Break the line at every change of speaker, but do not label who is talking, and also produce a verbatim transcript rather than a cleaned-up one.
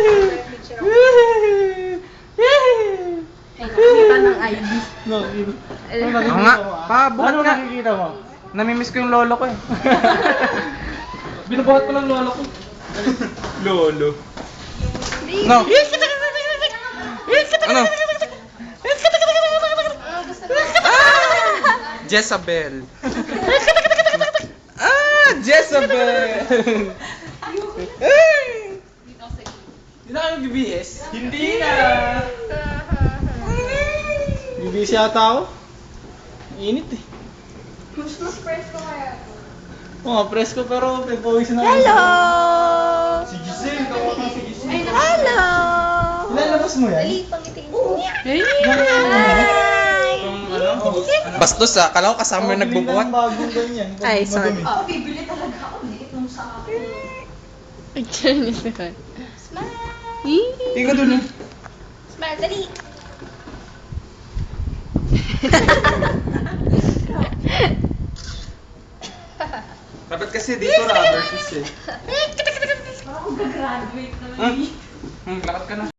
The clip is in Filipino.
Ay, nakita ng I D.
No, yun.
Eh,
Ano
Oo nga.
nakikita mo, ah?
Pa, bukat
Ano
nga.
nakikita mo?
Namimiss ko yung lolo ko eh.
Binubuhat ko lang lolo ko.
Lolo. No. Ano? Ah! Jezabel. Ah! Jezabel! Ay!
Hindi na kayo B B S?
Hindi na!
B B S yata ako. Init eh.
Mas mas presko kaya to.
Oo nga, presko pero pagpawisan na.
Hello!
Si Giselle, kawawa ka si Giselle.
Hello!
Ilalabas mo yan?
Dali, pangitiin mo.
Hi!
Ano? Bastos ah, kala ko kasama yung nagbubuhat.
ng bagong ganyan.
Ay, sorry.
Madumi.
Oh.
Bibili talaga ako. Liit nung sa akin.
Picture niya si Juan.
Smile!
Tingnan dun eh.
Smile, dali!
Dapat kasi dito rubber shoes eh.
Parang ako gagraduate na
Hmm? Hmm, lakad ka na.